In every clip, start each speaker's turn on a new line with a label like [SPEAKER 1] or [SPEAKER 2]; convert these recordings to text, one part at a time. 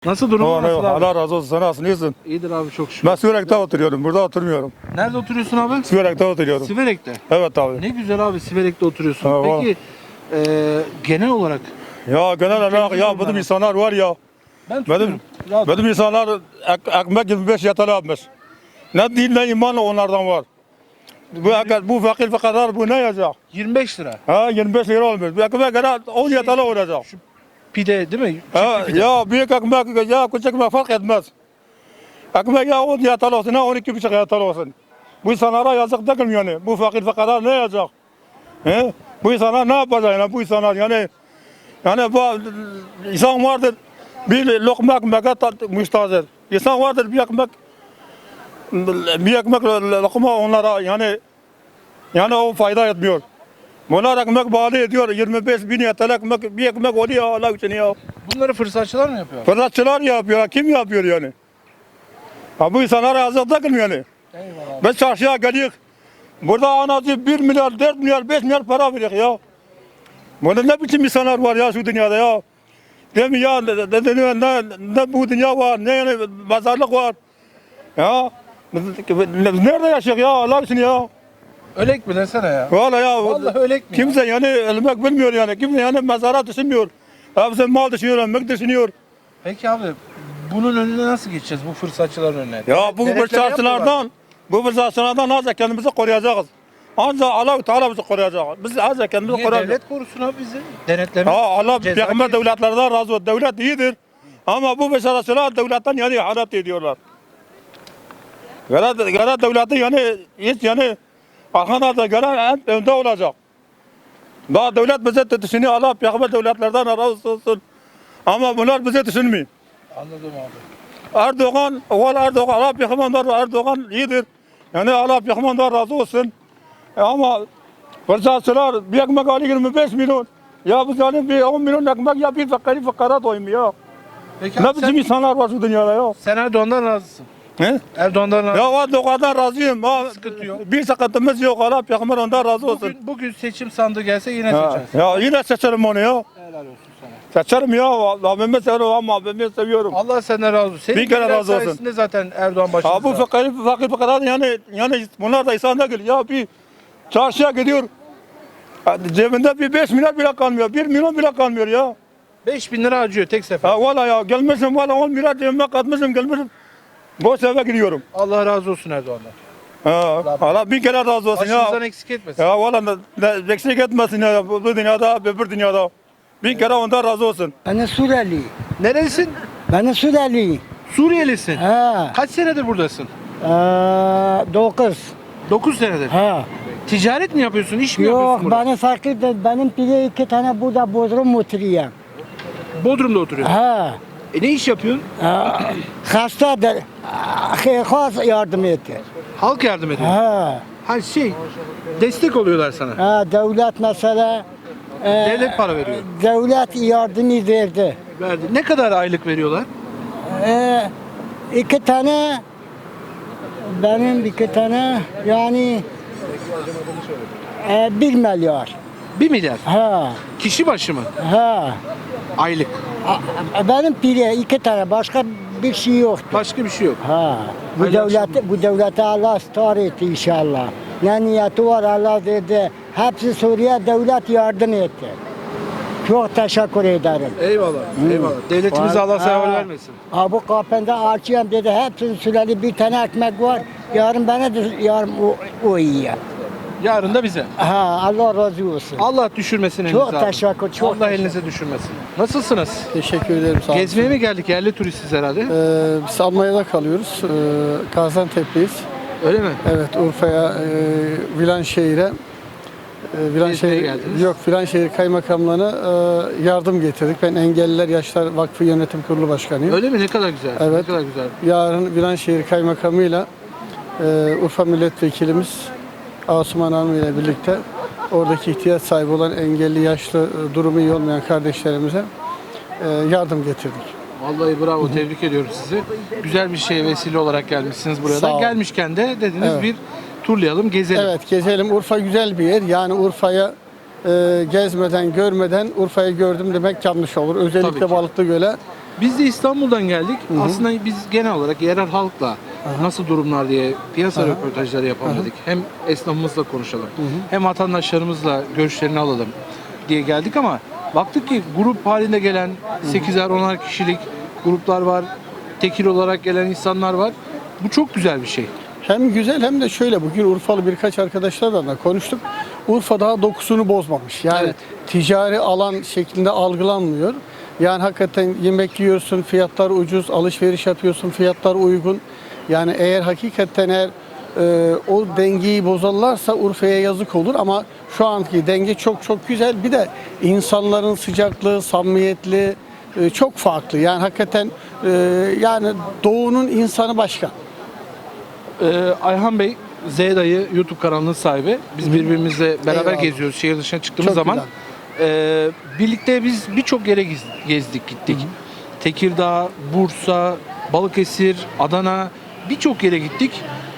[SPEAKER 1] Nasıl durum? Nasıl abi?
[SPEAKER 2] Allah razı olsun, sana nasılsın, iyisin?
[SPEAKER 1] İyidir abi, çok şükür.
[SPEAKER 2] Ben Siverek'te oturuyorum, burada oturmuyorum.
[SPEAKER 1] Nerede oturuyorsun abi?
[SPEAKER 2] Siverek'te oturuyorum.
[SPEAKER 1] Siverek'te.
[SPEAKER 2] Evet abi.
[SPEAKER 1] Ne güzel abi, Siverek'te oturuyorsun.
[SPEAKER 2] Ha,
[SPEAKER 1] Peki genel olarak
[SPEAKER 2] Ya genel olarak ya bizim insanlar var ya,
[SPEAKER 1] ben tutuyorum.
[SPEAKER 2] bizim insanlar ekmek 25 yatal almış. Ne din ne iman onlardan var. Bu fakir fakarar bu ne yazacak?
[SPEAKER 1] 25 lira.
[SPEAKER 2] Ha 25 lira olmuş. Bu ekmek gene 10 yatalı olacak.
[SPEAKER 1] Pide değil mi?
[SPEAKER 2] Ha,
[SPEAKER 1] Çiftli pide.
[SPEAKER 2] ya büyük ekmek ya küçük ekmek fark etmez. Ekmek ya 10 yatal olsun, ha 12,5 yatal olsun. Bu insanlara yazık değil mi yani? Bu fakir fakarar ne yazacak? He? Bu insanlar ne yapacak yani? Bu insanlar yani bu insan vardır bir lokma ekmeğe müstahzer. İnsan vardır bir ekmek lokma onlara yani o fayda etmiyor. Bunlar ekmek bağlı ediyor. 25 bin yetel ekmek bir ekmek oluyor Allah için ya.
[SPEAKER 1] Bunları fırsatçılar mı yapıyor?
[SPEAKER 2] Fırsatçılar yapıyor. Kim yapıyor yani? Ha, bu insanlara yazık değil mi yani?
[SPEAKER 1] Eyvallah.
[SPEAKER 2] Biz çarşıya geliyoruz. Burada anacı 1 milyar, 4 milyar, 5 milyar para veriyor ya. Burada ne biçim insanlar var ya şu dünyada ya. Değil mi ya? Ne bu dünya var, ne yani pazarlık var. Ya. Nerede yaşıyor ya Allah için ya?
[SPEAKER 1] Ölek mi desene ya?
[SPEAKER 2] Vallahi ya.
[SPEAKER 1] Vallahi ölek mi?
[SPEAKER 2] Kimse yani ölmek bilmiyor yani. Kimse yani mezara düşünmüyor. Hepsi mal düşünüyor, ölmek düşünüyor.
[SPEAKER 1] Peki abi, bunun önüne nasıl geçeceğiz, bu fırsatçıların önüne?
[SPEAKER 2] Ya bu
[SPEAKER 1] Denetleme
[SPEAKER 2] fırsatçılardan ancak kendimizi koruyacağız. Ancak Allah-u Teala bizi koruyacak. Biz ancak kendimizi
[SPEAKER 1] Niye
[SPEAKER 2] koruyacağız.
[SPEAKER 1] devlet korusun abi bizi? Denetleme.
[SPEAKER 2] Ha, Allah
[SPEAKER 1] Ceza
[SPEAKER 2] peygamber
[SPEAKER 1] kesin.
[SPEAKER 2] devletlerden razı olsun. Devlet iyidir. Ama bu fırsatçılar devletten yani ihanet ediyorlar. Gara devleti yani hiç yani arkada gören en önde olacak. Daha devlet bizi düşünüyor. Allah peygamber devletlerden razı olsun. Ama bunlar bizi düşünmüyor.
[SPEAKER 1] Anladım abi.
[SPEAKER 2] Erdoğan, Allah peygamber Erdoğan iyidir. Yani Allah peygamber razı olsun. Ama fırsatçılar bir ekmek alıyor 25 milyon. Ya biz yani bir 10 milyon ekmek ya bir fakara doymuyor.
[SPEAKER 1] Peki
[SPEAKER 2] Ne
[SPEAKER 1] abi,
[SPEAKER 2] biçim insanlar var şu dünyada ya.
[SPEAKER 1] sen Erdoğan'dan razısın.
[SPEAKER 2] He?
[SPEAKER 1] Erdoğan'dan razısın.
[SPEAKER 2] Ya Erdoğan'dan razıyım. Ha,
[SPEAKER 1] Sıkıntı yok.
[SPEAKER 2] bir sıkıntımız yok. Allah peygamber ondan razı olsun.
[SPEAKER 1] Bugün seçim sandığı gelse yine
[SPEAKER 2] Ha,
[SPEAKER 1] seçersin.
[SPEAKER 2] ya yine seçerim onu ya.
[SPEAKER 1] Helal olsun sana.
[SPEAKER 2] Seçerim ya. Abimi seviyorum ama abimi seviyorum.
[SPEAKER 1] Allah senden razı olsun. Senin
[SPEAKER 2] Bir kere
[SPEAKER 1] gibiler
[SPEAKER 2] razı olsun.
[SPEAKER 1] sayesinde zaten Erdoğan başımızda.
[SPEAKER 2] Ha bu fakir fakarat yani bunlar da insan değil. Ya bir çarşıya gidiyor. Cebinde bir 5 milyar bile kalmıyor. 1 milyon bile kalmıyor ya.
[SPEAKER 1] 5.000 lira harcıyor tek sefer.
[SPEAKER 2] Ha valla ya gelmişim valla 10 milyar cebime katmışım gelmişim. Boş eve gidiyorum.
[SPEAKER 1] Allah razı olsun Erdoğan'dan.
[SPEAKER 2] Ha, Allah bir kere razı olsun
[SPEAKER 1] Başımızdan
[SPEAKER 2] ya.
[SPEAKER 1] eksik etmesin.
[SPEAKER 2] Ya valla eksik etmesin ya bu dünyada öbür dünyada. Bir kere ondan razı olsun.
[SPEAKER 3] Ben Suriyeli.
[SPEAKER 1] Nerelisin?
[SPEAKER 3] Ben Suriyeli.
[SPEAKER 1] Suriyelisin.
[SPEAKER 3] Ha.
[SPEAKER 1] Kaç senedir buradasın?
[SPEAKER 3] 9.
[SPEAKER 1] 9 senedir.
[SPEAKER 3] Ha.
[SPEAKER 1] Ticaret mi yapıyorsun? İş mi
[SPEAKER 3] Yok
[SPEAKER 1] yapıyorsun burada?
[SPEAKER 3] bana fakir de benim bile 2 tane burada bodrum oturuyor.
[SPEAKER 1] Bodrum'da oturuyorsun.
[SPEAKER 3] Ha.
[SPEAKER 1] Ne iş yapıyorsun?
[SPEAKER 3] Hastadır. Khas yardım etti.
[SPEAKER 1] Halk yardım ediyor.
[SPEAKER 3] Ha.
[SPEAKER 1] Ha destek oluyorlar sana.
[SPEAKER 3] Ha devlet mesela
[SPEAKER 1] Devlet para veriyor.
[SPEAKER 3] devlet yardımı verdi.
[SPEAKER 1] Verdi. Ne kadar aylık veriyorlar?
[SPEAKER 3] 2 tane benim 2 tane yani 1 milyar.
[SPEAKER 1] 1 milyar.
[SPEAKER 3] Ha.
[SPEAKER 1] Kişi başı mı?
[SPEAKER 3] Ha.
[SPEAKER 1] Aylık.
[SPEAKER 3] Benim pire 2 tane başka bir şey yoktu.
[SPEAKER 1] Başka bir şey yok.
[SPEAKER 3] Ha. Bu devlete Allah star etti inşallah. Ne niyeti var Allah dedi. Hepsi Suriye devlet yardım etti. Çok teşekkür ederim.
[SPEAKER 1] Eyvallah. Eyvallah. Devletimize Allah sever vermesin.
[SPEAKER 3] Ha bu kapında açıyorum dedi. Hepsinin süreli bir tane ekmek var. Yarın bana da yarın o yiyor.
[SPEAKER 1] Yarın da bize.
[SPEAKER 3] Ha Allah razı olsun.
[SPEAKER 1] Allah düşürmesin elinize.
[SPEAKER 3] Çok
[SPEAKER 1] abi.
[SPEAKER 3] teşekkür, çok
[SPEAKER 1] Allah
[SPEAKER 3] teşekkür.
[SPEAKER 1] elinize düşürmesin. Nasılsınız?
[SPEAKER 4] Teşekkür ederim, sağ olun.
[SPEAKER 1] Gezmeye mi geldik? Yerli turistiz herhalde.
[SPEAKER 4] Biz Almanya'da kalıyoruz. Gaziantep'liyiz.
[SPEAKER 1] Öyle mi?
[SPEAKER 4] Evet, Urfa'ya, Vilanşehir'e
[SPEAKER 1] Gezmeye geldiniz.
[SPEAKER 4] Yok, Vilanşehir Kaymakamlığı'na yardım getirdik. Ben Engelliler Yaşlar Vakfı Yönetim Kurulu Başkanıyım.
[SPEAKER 1] Öyle mi? Ne kadar güzel. Ne
[SPEAKER 4] Evet.
[SPEAKER 1] kadar güzel.
[SPEAKER 4] Yarın Vilanşehir Kaymakamı'yla Urfa Milletvekilimiz Asuman Hanım ile birlikte oradaki ihtiyaç sahibi olan engelli, yaşlı, durumu iyi olmayan kardeşlerimize yardım getirdik.
[SPEAKER 1] Vallahi bravo. Tebrik ediyorum sizi. Güzel bir şeye vesile olarak gelmişsiniz buraya
[SPEAKER 4] Sağ
[SPEAKER 1] da.
[SPEAKER 4] olun.
[SPEAKER 1] Gelmişken de dediniz
[SPEAKER 4] Evet.
[SPEAKER 1] bir turlayalım, gezelim.
[SPEAKER 4] Evet, gezelim. Urfa güzel bir yer. Yani Urfa'ya gezmeden, görmeden Urfa'yı gördüm demek yanlış olur.
[SPEAKER 1] Tabii
[SPEAKER 4] Özellikle
[SPEAKER 1] ki.
[SPEAKER 4] Balıklıgöl'e
[SPEAKER 1] Biz de İstanbul'dan geldik. Aslında biz genel olarak yerel halkla nasıl durumlar diye piyasa röportajları yapalım dedik. Hem esnafımızla konuşalım, hem vatandaşlarımızla görüşlerini alalım diye geldik ama baktık ki grup halinde gelen 8'er 10'ar kişilik gruplar var. Tekil olarak gelen insanlar var. Bu çok güzel bir şey.
[SPEAKER 4] Hem güzel hem de şöyle, bugün Urfalı birkaç arkadaşlarla da konuştuk. Urfa daha dokusunu bozmamış. Yani
[SPEAKER 1] Evet.
[SPEAKER 4] ticari alan şeklinde algılanmıyor. Yani hakikaten yemek yiyorsun, fiyatlar ucuz, alışveriş yapıyorsun, fiyatlar uygun. Yani eğer hakikaten o dengeyi bozarlarsa Urfa'ya yazık olur ama şu anki denge çok çok güzel. Bir de insanların sıcaklığı, samimiyetli çok farklı. Yani hakikaten yani doğunun insanı başka.
[SPEAKER 1] Ayhan Bey, Z Dayı YouTube kanalının sahibi. Biz birbirimizle beraber
[SPEAKER 4] Eyvallah.
[SPEAKER 1] geziyoruz şehir dışına çıktığımız
[SPEAKER 4] Çok
[SPEAKER 1] zaman. Birlikte biz birçok yere gezdik gittik. Tekirdağ, Bursa, Balıkesir, Adana birçok yere gittik.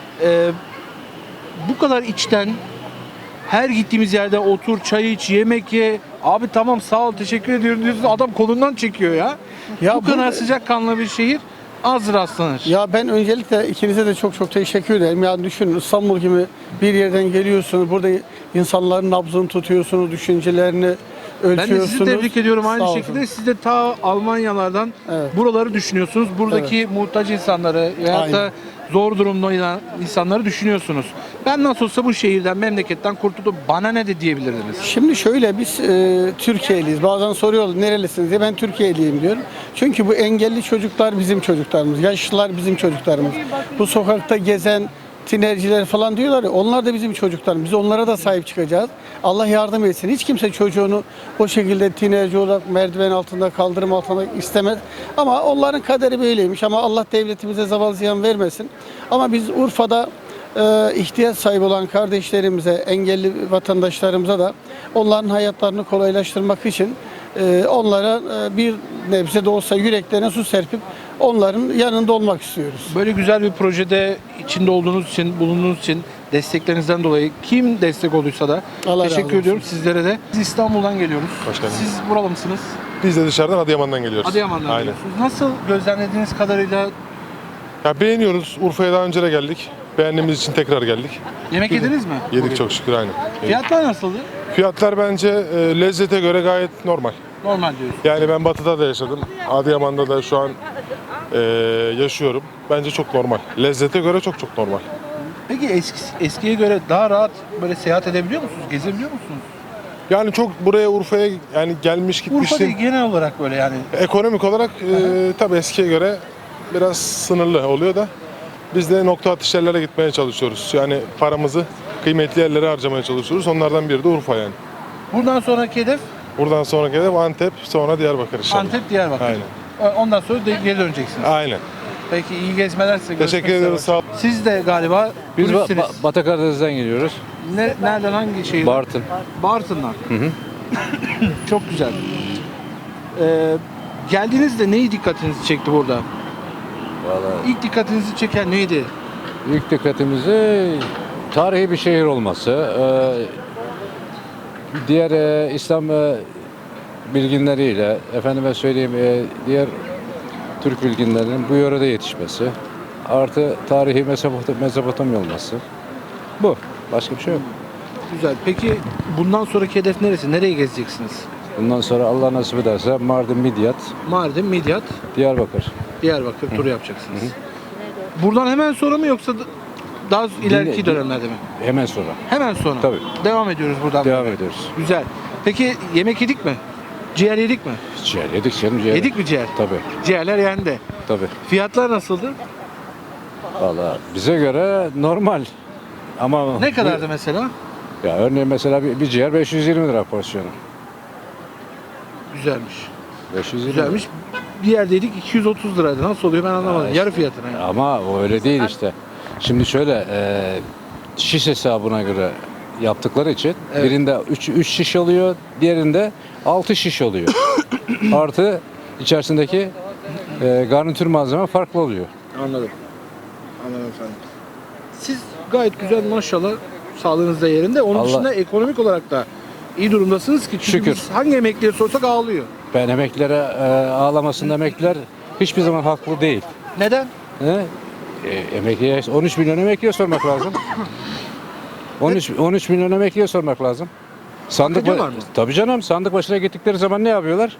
[SPEAKER 1] Bu kadar içten her gittiğimiz yerde otur, çay iç, yemek ye. Abi tamam sağ ol teşekkür ediyorum diyorsun. Adam kolundan çekiyor ya.
[SPEAKER 4] Ya
[SPEAKER 1] Bu kadar
[SPEAKER 4] burada-
[SPEAKER 1] sıcakkanlı bir şehir az rastlanır.
[SPEAKER 4] Ya ben öncelikle ikinize de çok çok teşekkür ederim. Yani düşünün, İstanbul gibi bir yerden geliyorsunuz. Burada insanların nabzını tutuyorsunuz, düşüncelerini
[SPEAKER 1] Ben de
[SPEAKER 4] ölçüyorsunuz.
[SPEAKER 1] sizi tebrik ediyorum aynı
[SPEAKER 4] Sağ olsun.
[SPEAKER 1] şekilde. Siz de ta Almanyalardan
[SPEAKER 4] Evet.
[SPEAKER 1] buraları düşünüyorsunuz. Buradaki muhtaç insanları veyahut da
[SPEAKER 4] Aynen.
[SPEAKER 1] zor durumda olan insanları düşünüyorsunuz. Ben nasıl olsa bu şehirden, memleketten kurtuldum. Bana ne de diyebilirdiniz.
[SPEAKER 4] Şimdi şöyle, biz Türkiye'liyiz. Bazen soruyorlar nerelisiniz diye, ben Türkiye'liyim diyorum. Çünkü bu engelli çocuklar bizim çocuklarımız, yaşlılar bizim çocuklarımız. Bu sokakta gezen tinerciler falan diyorlar ya, onlar da bizim çocuklarımız. Biz onlara da sahip çıkacağız. Allah yardım etsin. Hiç kimse çocuğunu o şekilde tinerci olarak merdiven altında, kaldırım altında istemez. Ama onların kaderi böyleymiş. Ama Allah devletimize zeval ziyan vermesin. Ama biz Urfa'da ihtiyaç sahibi olan kardeşlerimize, engelli vatandaşlarımıza da onların hayatlarını kolaylaştırmak için onlara bir nebze de olsa yüreklerine su serpip onların yanında olmak istiyoruz.
[SPEAKER 1] Böyle güzel bir projede içinde olduğunuz için, bulunduğunuz için desteklerinizden dolayı kim destek olduysa da
[SPEAKER 4] Allah razı
[SPEAKER 1] teşekkür
[SPEAKER 4] olsun.
[SPEAKER 1] ediyorum sizlere de. Biz İstanbul'dan geliyoruz.
[SPEAKER 5] Hoş geldiniz.
[SPEAKER 1] Siz buralı mısınız?
[SPEAKER 5] Biz de dışarıdan Adıyaman'dan geliyoruz.
[SPEAKER 1] Adıyaman'dan
[SPEAKER 5] Aynen.
[SPEAKER 1] geliyorsunuz. Nasıl gözlemlediğiniz kadarıyla
[SPEAKER 5] Ya beğeniyoruz. Urfa'ya daha önce de geldik. Beğendiğimiz için tekrar geldik.
[SPEAKER 1] yemek yediniz mi?
[SPEAKER 5] Yedik
[SPEAKER 1] Bugün?
[SPEAKER 5] çok şükür aynen.
[SPEAKER 1] Fiyatlar nasıldı?
[SPEAKER 5] Fiyatlar bence lezzete göre gayet normal.
[SPEAKER 1] Normal diyoruz.
[SPEAKER 5] Yani ben Batı'da da yaşadım. Adıyaman'da da şu an yaşıyorum. Bence çok normal. Lezzete göre çok çok normal.
[SPEAKER 1] Peki eskiye göre daha rahat böyle seyahat edebiliyor musunuz? Gezebiliyor musunuz?
[SPEAKER 5] Yani çok buraya Urfa'ya yani gelmiş
[SPEAKER 1] Urfa değil
[SPEAKER 5] gitmiştim.
[SPEAKER 1] genel olarak böyle yani.
[SPEAKER 5] Ekonomik olarak tabii eskiye göre biraz sınırlı oluyor da biz de nokta atış yerlere gitmeye çalışıyoruz. Yani paramızı kıymetli yerlere harcamaya çalışıyoruz. Onlardan biri de Urfa yani.
[SPEAKER 1] Buradan sonraki hedef
[SPEAKER 5] Buradan sonraki hedef Antep, sonra Diyarbakır inşallah.
[SPEAKER 1] Antep, Diyarbakır.
[SPEAKER 5] Aynen.
[SPEAKER 1] Ondan sonra geri döneceksiniz.
[SPEAKER 5] Aynen.
[SPEAKER 1] Peki iyi gezmeler size. Görüşmek
[SPEAKER 5] Teşekkür
[SPEAKER 1] üzere.
[SPEAKER 5] ediyoruz. Sağ olun.
[SPEAKER 1] Siz de galiba
[SPEAKER 6] Biz
[SPEAKER 1] turistsiniz.
[SPEAKER 6] Batı Karadeniz'den geliyoruz.
[SPEAKER 1] Nereden hangi şehirden?
[SPEAKER 6] Bartın.
[SPEAKER 1] Bartın'dan. Çok güzel. Geldiğinizde neyi dikkatinizi çekti burada?
[SPEAKER 6] Vallahi
[SPEAKER 1] İlk dikkatinizi çeken neydi?
[SPEAKER 6] ilk dikkatimizi tarihi bir şehir olması. Diğer İslam bilginleriyle, efendime söyleyeyim diğer Türk bilginlerinin bu yörede yetişmesi. Artı tarihi Mezopotamya olması. Bu. Başka bir şey yok.
[SPEAKER 1] Güzel. Peki bundan sonraki hedef neresi? Nereye gezeceksiniz?
[SPEAKER 6] Bundan sonra Allah nasip ederse Mardin, Midyat,
[SPEAKER 1] Mardin, Midyat,
[SPEAKER 6] Diyarbakır.
[SPEAKER 1] Diyarbakır turu yapacaksınız. Buradan hemen sonra mı yoksa daha ileriki dönemlerde mi?
[SPEAKER 6] Hemen sonra.
[SPEAKER 1] Hemen sonra.
[SPEAKER 6] Tabii.
[SPEAKER 1] Devam ediyoruz buradan.
[SPEAKER 6] Devam ediyoruz.
[SPEAKER 1] Güzel. Peki yemek yedik mi? Ciğer yedik mi?
[SPEAKER 6] Ciğer yedik canım ciğer.
[SPEAKER 1] Yedik mi ciğer?
[SPEAKER 6] Tabii.
[SPEAKER 1] Ciğerler yendi.
[SPEAKER 6] Tabii.
[SPEAKER 1] Fiyatlar nasıldı?
[SPEAKER 6] Valla bize göre normal. Ama
[SPEAKER 1] Ne kadardı mesela?
[SPEAKER 6] Ya örneğin mesela bir ciğer 520 lira porsiyonu.
[SPEAKER 1] Güzelmiş.
[SPEAKER 6] 520
[SPEAKER 1] Güzelmiş. Bir yerdeydik 230 liraydı. Nasıl oluyor ben anlamadım.
[SPEAKER 6] işte.
[SPEAKER 1] Yarı fiyatına. Yani.
[SPEAKER 6] Ama o öyle değil işte. Şimdi şöyle şiş hesabına göre yaptıkları için
[SPEAKER 1] Evet.
[SPEAKER 6] birinde 3 şiş oluyor, diğerinde 6 şiş oluyor. Artı içerisindeki garnitür malzeme farklı oluyor.
[SPEAKER 1] Anladım. Anladım efendim. Siz gayet güzel maşallah sağlığınız da yerinde. Onun
[SPEAKER 6] Allah-
[SPEAKER 1] dışında ekonomik olarak da iyi durumdasınız ki. Çünkü
[SPEAKER 6] Şükür.
[SPEAKER 1] biz hangi emekliye sorsak ağlıyor.
[SPEAKER 6] Ben emeklilere ağlamasında emekliler hiçbir zaman haklı değil.
[SPEAKER 1] Neden?
[SPEAKER 6] He? Emekliye 13 milyon emekliye sormak lazım. 13 milyon emekliye sormak lazım. Sandık
[SPEAKER 1] ediyorlar mı?
[SPEAKER 6] Tabii canım, sandık başına gittikleri zaman ne yapıyorlar?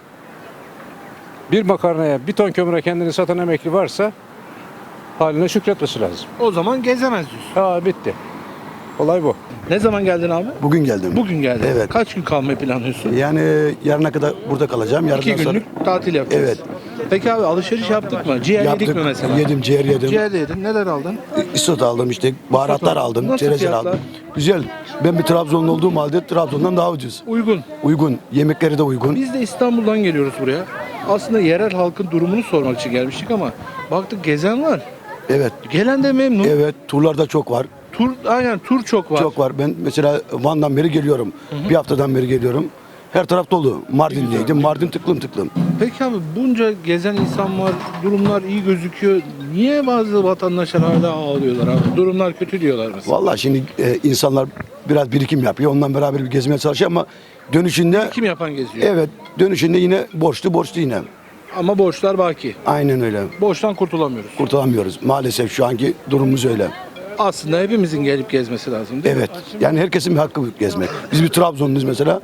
[SPEAKER 6] Bir makarnaya, bir ton kömüre kendini satan emekli varsa haline şükretmesi lazım.
[SPEAKER 1] O zaman gezemez diyorsun.
[SPEAKER 6] Bitti. Olay bu.
[SPEAKER 1] Ne zaman geldin abi?
[SPEAKER 7] Bugün geldim.
[SPEAKER 1] Bugün geldin.
[SPEAKER 7] Evet.
[SPEAKER 1] Kaç gün kalmayı planlıyorsun?
[SPEAKER 7] Yani yarına kadar burada kalacağım. Yarından
[SPEAKER 1] 2
[SPEAKER 7] sonra
[SPEAKER 1] günlük tatil yapacağız.
[SPEAKER 7] Evet.
[SPEAKER 1] Peki abi alışveriş yaptık mı? Ciğer yedik
[SPEAKER 7] yaptık.
[SPEAKER 1] mi mesela?
[SPEAKER 7] Yedim, ciğer yedim.
[SPEAKER 1] Ciğer de yedin. Neler aldın?
[SPEAKER 7] İsot aldım işte, baharatlar aldım,
[SPEAKER 1] Nasıl
[SPEAKER 7] çerezler
[SPEAKER 1] fiyatlar?
[SPEAKER 7] aldım. Güzel. Ben bir Trabzonlu olduğum halde Trabzon'dan daha ucuz.
[SPEAKER 1] Uygun.
[SPEAKER 7] Uygun. Yemekleri de uygun.
[SPEAKER 1] Biz de İstanbul'dan geliyoruz buraya. Aslında yerel halkın durumunu sormak için gelmiştik ama baktık gezen var.
[SPEAKER 7] Evet.
[SPEAKER 1] Gelen de memnun.
[SPEAKER 7] Evet. Turlarda çok var.
[SPEAKER 1] Aynen tur çok var.
[SPEAKER 7] Çok var. Ben mesela Van'dan beri geliyorum. Bir haftadan beri geliyorum. Her taraf dolu. Mardin'deydim. Mardin tıklım tıklım.
[SPEAKER 1] Peki abi bunca gezen insan var, durumlar iyi gözüküyor. Niye bazı vatandaşlar hala ağlıyorlar abi? Durumlar kötü diyorlar mesela.
[SPEAKER 7] Vallahi şimdi insanlar biraz birikim yapıyor. Ondan beraber bir gezmeye çalışıyor ama dönüşünde
[SPEAKER 1] Kim yapan geziyor?
[SPEAKER 7] evet, dönüşünde yine borçlu yine.
[SPEAKER 1] Ama borçlar baki.
[SPEAKER 7] Aynen öyle.
[SPEAKER 1] Borçtan kurtulamıyoruz.
[SPEAKER 7] Kurtulamıyoruz. Maalesef şu anki durumumuz öyle.
[SPEAKER 1] Aslında hepimizin gelip gezmesi lazım değil mi?
[SPEAKER 7] Evet. Yani herkesin bir hakkı gezmek. Biz bir Trabzonluyuz mesela.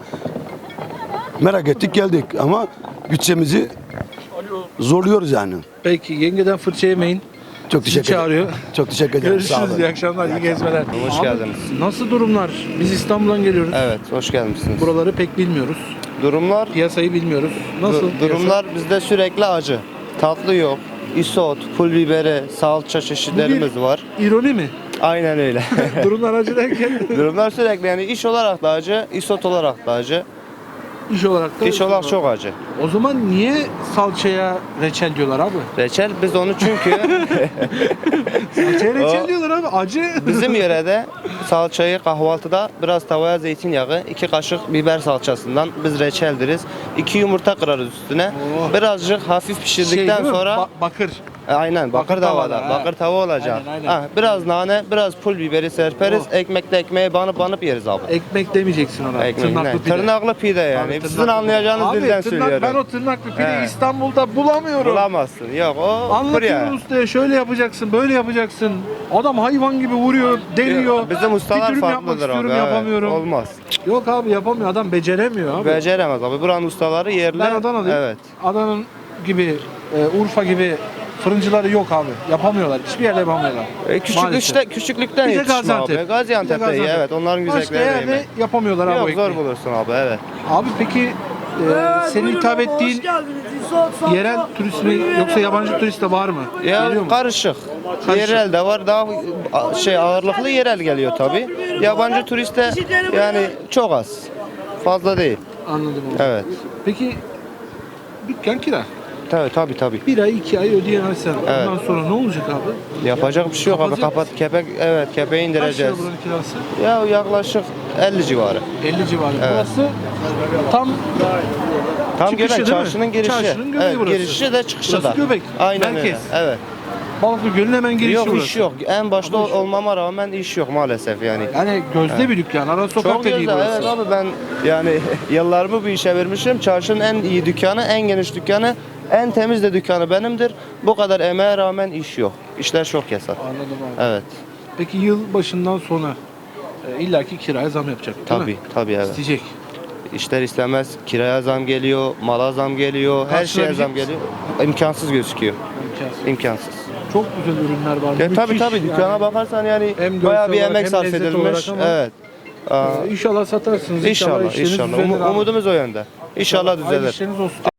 [SPEAKER 7] Merak ettik geldik ama bütçemizi zorluyoruz yani.
[SPEAKER 1] Peki yengeden fırça yemeyin.
[SPEAKER 7] Çok
[SPEAKER 1] Sizi
[SPEAKER 7] teşekkür ederim.
[SPEAKER 1] çağırıyor.
[SPEAKER 7] Çok teşekkür ederim. Sağ
[SPEAKER 1] Görüşürüz.
[SPEAKER 7] olun.
[SPEAKER 1] İyi akşamlar, iyi gezmeler.
[SPEAKER 8] Hoş
[SPEAKER 1] Abi,
[SPEAKER 8] geldiniz.
[SPEAKER 1] Nasıl durumlar? Biz İstanbul'dan geliyoruz.
[SPEAKER 8] Evet, hoş gelmişsiniz.
[SPEAKER 1] Buraları pek bilmiyoruz.
[SPEAKER 8] Durumlar
[SPEAKER 1] Piyasayı bilmiyoruz. Nasıl?
[SPEAKER 8] durumlar bizde sürekli acı. Tatlı yok. Isot, pul biberi, salça çeşitlerimiz var.
[SPEAKER 1] İroni mi?
[SPEAKER 8] Aynen öyle.
[SPEAKER 1] Durumlar acı derken
[SPEAKER 8] Durumlar sürekli yani iş olarak da acı, isot olarak da acı.
[SPEAKER 1] iş olarak da.
[SPEAKER 8] İş olarak çok acı.
[SPEAKER 1] O zaman niye salçaya reçel diyorlar abi?
[SPEAKER 8] Reçel biz onu çünkü
[SPEAKER 1] Salçaya reçel
[SPEAKER 8] O-
[SPEAKER 1] diyorlar abi. Acı.
[SPEAKER 8] bizim yörede salçayı kahvaltıda biraz tavaya zeytinyağı, 2 kaşık biber salçasından biz reçel deriz. 2 yumurta kırarız üstüne.
[SPEAKER 1] Oh.
[SPEAKER 8] Birazcık hafif pişirdikten
[SPEAKER 1] değil mi?
[SPEAKER 8] sonra
[SPEAKER 1] Bakır.
[SPEAKER 8] Aynen bakır
[SPEAKER 1] Bakır tavada,
[SPEAKER 8] tavada.
[SPEAKER 1] ha.
[SPEAKER 8] Bakır tava olacak.
[SPEAKER 1] Aynen, aynen.
[SPEAKER 8] Ha, biraz nane, biraz pul biberi serperiz.
[SPEAKER 1] Oh.
[SPEAKER 8] Ekmekte ekmeğe banıp yeriz abi.
[SPEAKER 1] Ekmek demeyeceksin ona.
[SPEAKER 8] Ekmek
[SPEAKER 1] Tırnaklı
[SPEAKER 8] ne?
[SPEAKER 1] pide.
[SPEAKER 8] Tırnaklı pide yani.
[SPEAKER 1] Abi,
[SPEAKER 8] Sizin
[SPEAKER 1] tırnaklı-
[SPEAKER 8] anlayacağınız
[SPEAKER 1] Abi,
[SPEAKER 8] dilden
[SPEAKER 1] tırnak-
[SPEAKER 8] söylüyorum.
[SPEAKER 1] Ben o tırnaklı pide
[SPEAKER 8] He.
[SPEAKER 1] İstanbul'da bulamıyorum.
[SPEAKER 8] Bulamazsın. Yok o
[SPEAKER 1] Anlatıyorum
[SPEAKER 8] buraya.
[SPEAKER 1] ustaya şöyle yapacaksın, böyle yapacaksın. Adam hayvan gibi vuruyor, deliyor.
[SPEAKER 8] Bizim ustalar
[SPEAKER 1] bir dürüm yapmak
[SPEAKER 8] farklıdır
[SPEAKER 1] istiyorum,
[SPEAKER 8] abi. evet.
[SPEAKER 1] yapamıyorum.
[SPEAKER 8] Olmaz.
[SPEAKER 1] Yok abi yapamıyor, adam beceremiyor abi.
[SPEAKER 8] Beceremez abi. Buranın ustaları yerli.
[SPEAKER 1] Ben Adana'dayım.
[SPEAKER 8] Evet.
[SPEAKER 1] Adana'nın gibi, Urfa gibi fırıncıları yok abi. Yapamıyorlar, hiçbir yerde yapamıyorlar. Maalesef.
[SPEAKER 8] Küçüklükten
[SPEAKER 1] Bir de
[SPEAKER 8] yetişme
[SPEAKER 1] Gaziantep.
[SPEAKER 8] abi. Gaziantep'te
[SPEAKER 1] Bir de
[SPEAKER 8] iyi.
[SPEAKER 1] Gaziantep.
[SPEAKER 8] Evet. Onların
[SPEAKER 1] Başka
[SPEAKER 8] güzellikleri
[SPEAKER 1] yerde
[SPEAKER 8] yemek.
[SPEAKER 1] yapamıyorlar abi o
[SPEAKER 8] Yok zor
[SPEAKER 1] ekmeği.
[SPEAKER 8] bulursun abi. Evet.
[SPEAKER 1] Abi peki senin hitap ettiğin yerel turist mi yoksa yabancı turist de var mı?
[SPEAKER 8] Ya
[SPEAKER 1] Geliyor mu?
[SPEAKER 8] karışık.
[SPEAKER 1] Karışık.
[SPEAKER 8] Yerel de var. Daha ağırlıklı yerel geliyor tabii. Yabancı turist de yani çok az. Fazla değil.
[SPEAKER 1] Anladım onu.
[SPEAKER 8] Evet.
[SPEAKER 1] Peki dükkan kira.
[SPEAKER 8] Tabii.
[SPEAKER 1] 1 ay 2 ay ödeyemezsen
[SPEAKER 8] Evet.
[SPEAKER 1] ondan sonra ne olacak abi?
[SPEAKER 8] Yapacak bir şey yok abi.
[SPEAKER 1] Kapatacak
[SPEAKER 8] Kepeği
[SPEAKER 1] Kaç lira
[SPEAKER 8] indireceğiz.
[SPEAKER 1] buranın kirası?
[SPEAKER 8] Ya yaklaşık 50 civarı.
[SPEAKER 1] 50 civarı.
[SPEAKER 8] Evet.
[SPEAKER 1] Burası tam
[SPEAKER 8] Tam
[SPEAKER 1] Çıkışı
[SPEAKER 8] göbek
[SPEAKER 1] değil mi?
[SPEAKER 8] çarşının girişi.
[SPEAKER 1] Çarşının göbeği
[SPEAKER 8] evet,
[SPEAKER 1] burası.
[SPEAKER 8] girişi de çıkışı
[SPEAKER 1] Burası
[SPEAKER 8] da.
[SPEAKER 1] göbek,
[SPEAKER 8] Aynen
[SPEAKER 1] merkez.
[SPEAKER 8] öyle. Evet.
[SPEAKER 1] Balıklı Gölü'nün hemen girişi
[SPEAKER 8] Yok
[SPEAKER 1] burası.
[SPEAKER 8] iş yok. En başta olmama rağmen iş yok maalesef yani.
[SPEAKER 1] Yani gözde bir dükkan. Ara sokak
[SPEAKER 8] Çok
[SPEAKER 1] dediği
[SPEAKER 8] güzel.
[SPEAKER 1] burası.
[SPEAKER 8] Evet abi ben yani yıllarımı bu işe vermişim. Çarşının en iyi dükkanı, en geniş dükkanı, en temiz de dükkanı benimdir. Bu kadar emeğe rağmen iş yok. İşler çok kesat.
[SPEAKER 1] Anladım abi.
[SPEAKER 8] Evet.
[SPEAKER 1] Peki yıl başından sonra illaki kiraya zam yapacak değil mi?
[SPEAKER 8] Tabii evet.
[SPEAKER 1] İsteyecek.
[SPEAKER 8] İşler istemez kiraya zam geliyor, mala zam geliyor, her şeye
[SPEAKER 1] Karşılayabilecek
[SPEAKER 8] zam geliyor. İmkansız gözüküyor.
[SPEAKER 1] İmkansız.
[SPEAKER 8] İmkansız.
[SPEAKER 1] Çok güzel ürünler var.
[SPEAKER 8] Ya tabii
[SPEAKER 1] Müthiş
[SPEAKER 8] tabii dükkana
[SPEAKER 1] yani.
[SPEAKER 8] bakarsan yani
[SPEAKER 1] Hem görsel
[SPEAKER 8] bayağı bir
[SPEAKER 1] olarak
[SPEAKER 8] emek
[SPEAKER 1] hem
[SPEAKER 8] sarf
[SPEAKER 1] lezzet
[SPEAKER 8] edilmiş.
[SPEAKER 1] olarak ama-
[SPEAKER 8] Evet.
[SPEAKER 1] İnşallah satarsınız.
[SPEAKER 8] İnşallah,
[SPEAKER 1] işleriniz
[SPEAKER 8] inşallah.
[SPEAKER 1] düzelir abi.
[SPEAKER 8] Umudumuz o yönde. İnşallah
[SPEAKER 1] Hayırlı
[SPEAKER 8] düzelir.
[SPEAKER 1] işleriniz olsun.